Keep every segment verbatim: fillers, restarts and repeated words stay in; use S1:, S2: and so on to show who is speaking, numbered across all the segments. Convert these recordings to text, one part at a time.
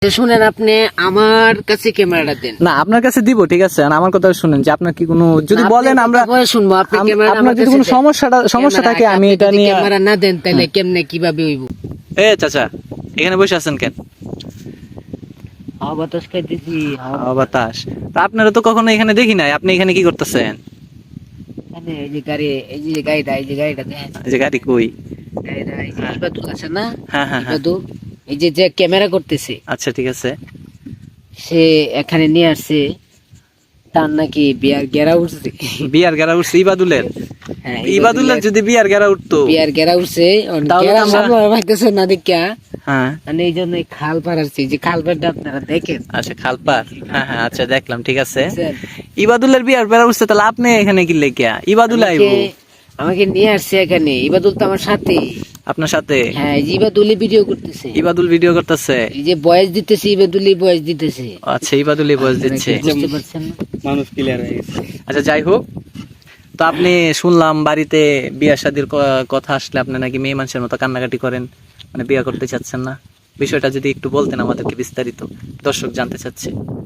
S1: শুনেন, আপনি আমার কাছে ক্যামেরাটা দেন।
S2: না, আপনার কাছে দিব, ঠিক আছে। আর আমার কথা শুনেন যে আপনার কি কোনো যদি বলেন আমরা
S1: শুনবো। আপনি ক্যামেরা
S2: আপনার যদি কোনো সমস্যাটা সমস্যা থাকে আমি এটা নিয়ে
S1: ক্যামেরা না দেন তাহলে কেমনে কিভাবে হইব?
S2: এ চাচা, এখানে বসে আছেন কেন?
S1: হাওয়া বাতাস খাইতেছি।
S2: হাওয়া বাতাস। তা আপনারা তো কখনো এখানে দেখি নাই, আপনি এখানে কি করতেছেন?
S1: এই যে গাড়ি, এই যে গাড়িটা, এই যে গাড়িটা দেখেন।
S2: এই যে গাড়ি কই?
S1: গাড়িটা এই যে ইবাদুল আছে না?
S2: হ্যাঁ হ্যাঁ হ্যাঁ।
S1: ইবাদুল এই যে যে ক্যামেরা করতেছে,
S2: আচ্ছা ঠিক আছে।
S1: সে এখানে নিয়ে আসছে, তার নাকি বিয়ার গেরা উঠছে।
S2: বিয়ার গেরা উঠছে ইবাদুলের?
S1: হ্যাঁ,
S2: ইবাদুলের যদি বিয়ার গেরা উঠতো?
S1: বিয়ার গেরা উঠছে,
S2: তাহলে
S1: গেরা
S2: আমরা-
S1: আমরা ভাবতেছে না দেখা।
S2: হ্যাঁ,
S1: মানে এই জন্য খাল পাড়াচ্ছি, যে খাল পাড়টা আপনারা দেখেন।
S2: আচ্ছা খালপার। হ্যাঁ হ্যাঁ, আচ্ছা দেখলাম, ঠিক আছে।
S1: বুঝছেন?
S2: ইবাদুলের বিয়ার বেড়া উঠছে, তাহলে আপনি এখানে কি লেগিয়া? ইবাদুল আইবো
S1: আমাকে- আমাকে নিয়ে আসছে এখানে। ইবাদুল তো আমার সাথে।
S2: আপনার সাথে?
S1: হ্যাঁ, এই যে ইবাদুলি ভিডিও করতেছে,
S2: ইবাদুল ভিডিও করতেছে।
S1: এই যে বয়স দিতেছে, ইবাদুলি বয়স দিতেছে।
S2: আচ্ছা, ইবাদুলি বয়স দিচ্ছে।
S1: বুঝতে পারছেন না?
S3: মানুষ ক্লিয়ার হয়ে গেছে।
S2: আচ্ছা যাই হোক, তো আপনি শুনলাম বাড়িতে বিয়া শাদীর ক- কথা আসলে আপনি নাকি মেয়ে মানুষের মতো কান্নাকাটি করেন, মানে বিয়া করতে চাচ্ছেন না। বিষয়টা যদি একটু বলতেন আমাদেরকে বিস্তারিত, দর্শক জানতে চাচ্ছে।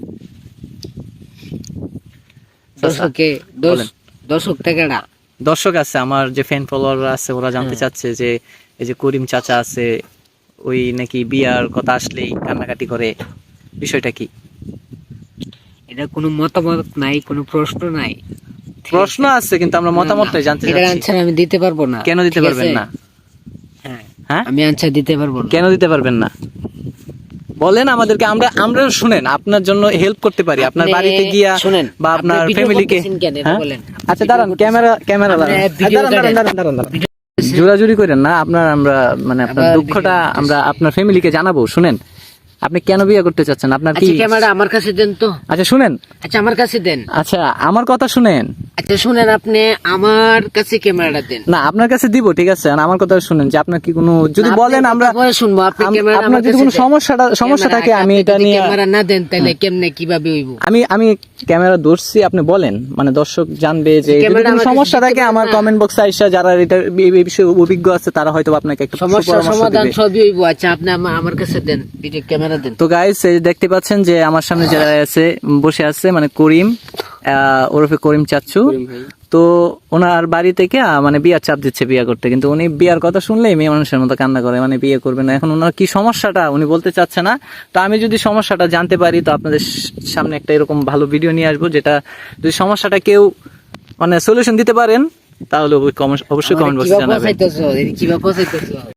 S1: দর্শকে
S2: বলেন।
S1: দর্শক টাকাটা
S2: দর্শক আছে আমার, যে ফ্যান ফলোয়ার আছে, ওরা জানতে চাচ্ছে যে এই যে করিম চাচা আছে, ওই নাকি বিয়ার কথা আসলেই কান্নাকাটি করে, বিষয়টা কি?
S1: এটা কোনো মতামত নাই, কোনো প্রশ্ন নাই।
S2: প্রশ্ন আছে কিন্তু আমরা মতামতটাই জানতে
S1: এটার
S2: চাচ্ছি।
S1: আনসার আমি দিতে পারবো না।
S2: কেন দিতে
S1: ঠিক
S2: পারবেন
S1: আছে?
S2: না?
S1: হ্যাঁ,
S2: হ্যাঁ,
S1: আমি আনসার দিতে পারবো না।
S2: কেন দিতে পারবেন না বলেন আমাদেরকে, আমরা আমরা শুনেন আপনার জন্য হেল্প করতে পারি, আপনার
S1: আপনি
S2: বাড়িতে গিয়া
S1: শুনেন,
S2: বা
S1: আপনি
S2: আপনার
S1: ভিডিও
S2: ফ্যামিলিকে।
S1: করতেছেন কেন এটা বলেন।
S2: আচ্ছা দাঁড়ান, ক্যামেরা ক্যামেরা
S1: আপনি
S2: দাঁড়ান
S1: ভিডিও
S2: দাঁড়ান,
S1: করেন।
S2: দাঁড়ান, দাঁড়ান, দাঁড়ান, দাঁড়ান। জোরাজুরি করেন না, আপনার আমরা মানে আপনার
S1: আবার
S2: দুঃখটা
S1: ভিডিও করতেছি।
S2: আমরা আপনার ফ্যামিলিকে জানাবো। শুনেন, আপনি কেন বিয়ে করতে চাচ্ছেন, আপনার কি?
S1: আচ্ছা, ক্যামেরা আমার কাছে দেন তো।
S2: আচ্ছা শুনেন,
S1: আচ্ছা, আমার কাছে দেন।
S2: আচ্ছা আমার কথা শুনেন।
S1: আচ্ছা শুনেন, আপনি আমার কাছে ক্যামেরাটা দেন।
S2: না, আপনার কাছে দিব, ঠিক আছে। আর আমার কথা শুনেন যে আপনার কি কোনো যদি
S1: না,
S2: বলেন
S1: আপনার
S2: আমরা
S1: কথা পরে শুনবো। আপনি
S2: আম-
S1: ক্যামেরা
S2: আপনার
S1: আমার
S2: যদি
S1: কাছে
S2: কোনো
S1: দেন।
S2: সমস্যাটা সমস্যা
S1: ক্যামেরা-
S2: থাকে আমি
S1: আপনি
S2: এটা
S1: যদি
S2: নিয়ে
S1: ক্যামেরা না দেন তাহলে কেমনে কিভাবে হইব?
S2: আমি আমি ক্যামেরা ধরছি, আপনি বলেন, মানে দর্শক জানবে যে যদি
S1: ক্যামেরা
S2: কোনো
S1: আমার কাছে
S2: সমস্যা
S1: দিতে
S2: থাকে
S1: পারেন
S2: আমার
S1: না।
S2: কমেন্ট বক্সে আইসা যারা এটা এই এই বিষয়ে অভিজ্ঞ আছে তারা হয়তো আপনাকে একটা
S1: সমস্যা
S2: সুপরামর্শ
S1: সমাধান
S2: দিবে।
S1: সবই হইব। আচ্ছা, আপনি আমা- আমার কাছে দেন, ভিডিও ক্যামেরা দেন।
S2: তো গাইস, দেখতে পাচ্ছেন যে আমার সামনে যারা আছে বসে আছে, মানে করিম আহ, ওরফে করিম চাচ্চু। তো ওনার বাড়ি থেকে আহ, মানে বিয়ার চাপ দিচ্ছে বিয়ে করতে, কিন্তু উনি বিয়ার কথা শুনলেই মেয়ে মানুষের মতো কান্না করে, মানে বিয়ে করবে না। এখন ওনার কি সমস্যাটা উনি বলতে চাচ্ছে না। তো আমি যদি সমস্যাটা জানতে পারি তো আপনাদের সামনে একটা এরকম ভালো ভিডিও নিয়ে আসবো, যেটা যদি সমস্যাটা কেউ মানে সলিউশন দিতে পারেন তাহলে অবশ্যই কমেন্ট বক্সে
S1: আমারে
S2: জানাবেন।
S1: কিভাবে পৌঁছাইতেছো? কিভাবে পৌঁছাইতেছো?